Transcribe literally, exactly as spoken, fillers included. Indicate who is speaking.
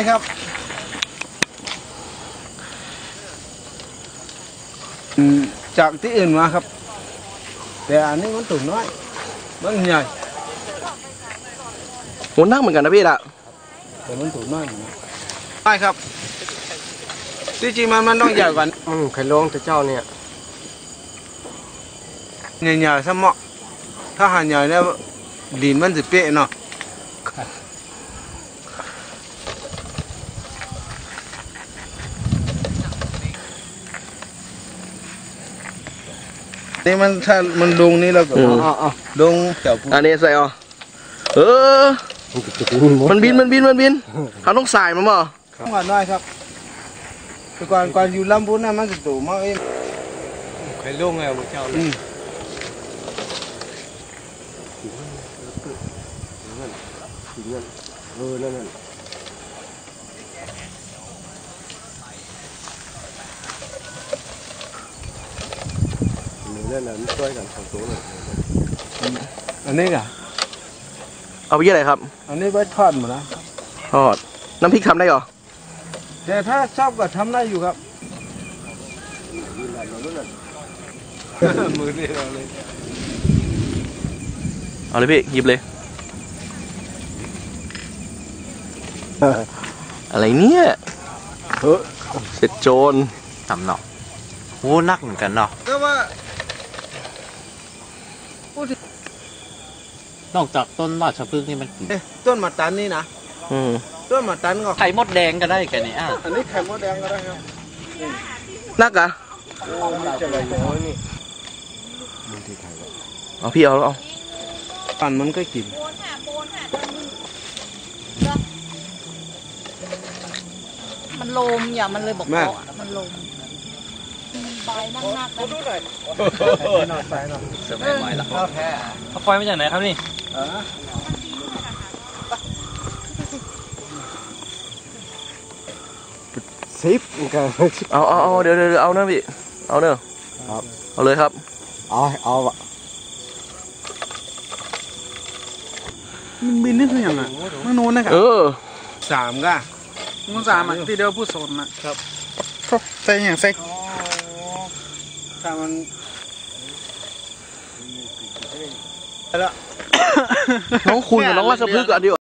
Speaker 1: ครับจากที่อื่นมาครับแต่อันนี้มันตุ่นน้อยมันใหญ่
Speaker 2: โหนักเหมือนกันนะพี่ละ
Speaker 1: แต่มันตุ่นน้อยใช่ครับที่จริงมันมันต้องใหญ่กว่า
Speaker 3: อืมไข่ลงแต่เจ้าเนี่ย
Speaker 1: ใหญ่ๆซะเหมาะถ้าหาใหญ่แล้วดินมันจะเป๊ะเนาะนี่มันถ้ามันลงนี่เราก็ลงเกี่ยว
Speaker 2: อันนี้ใส่อ๋อเออมันบินมันบินมันบินเขาต้องใส่มันมั้ง
Speaker 1: ต้องก่อนน้อยครับแต่ก่อนก่อนอยู่ลำพูนน่ะมันจะตู่มากเองใครลงไงพวกเจ้าเลย
Speaker 3: เออนั่นนั่นนั่นน่ะมันช่วยกันสองตัวเลย
Speaker 1: อันนี้อ่ะ
Speaker 2: เอาไปยี่อะไรครับ
Speaker 1: อันนี้ไว้ทอดหมดนะ
Speaker 2: ทอดน้ำพริกทำได้หรอ
Speaker 1: แต่ถ้าชอบก็ทำได้อยู่ครับมือนี่เราเลย
Speaker 2: เอาเลยพี่หยิบเลยอะไรเนี่ยเสร็จโจร
Speaker 4: ทำเนาะโอ้นักเหมือนกันเนาะ
Speaker 1: ก็ว่าน
Speaker 4: อกจากต้นราชพฤกษ์นี่มัน
Speaker 1: ต้นมะตันนี่นะต้นมะตันก็
Speaker 4: ไข่มดแดงก็ได้แค่นี้อ่ะ
Speaker 1: อันนี้ไข่มดแดงก็ได้ครับ
Speaker 2: นักอะ
Speaker 1: โอ้ไม่ใช่อะไรน้อยนี่
Speaker 2: เอาพี่เอาเอา
Speaker 1: ปั่นมันก็กิน
Speaker 5: มันลมอย่ามันเลยบอกเกาะมันลมใบนักนักกันดูหน่อย
Speaker 1: หน่อยใส่หน่อย
Speaker 4: สมัยใหม่ละ
Speaker 1: ข้าวแท้
Speaker 4: ข้าวไฟมาจากไหนครับนี่
Speaker 3: ซิปกัน
Speaker 2: เอาเอาเอาเดี๋ยวเดี๋ยวเอาเนอะพี่เอาเนอะ
Speaker 3: ครับ
Speaker 2: เอาเลยครับ
Speaker 3: เอาเอาอะ
Speaker 1: มันบินนี่คืออย่างอ่ะมันโน้นนะครับ
Speaker 2: เออ
Speaker 1: สามก้า
Speaker 6: มันสามอ่ะที่เดียวพูดโซนนะครับใส่อย่างใส่
Speaker 1: ถ้ามันแล้ว
Speaker 2: น้องคุณกับน้องราชพฤกษ์อันเดียว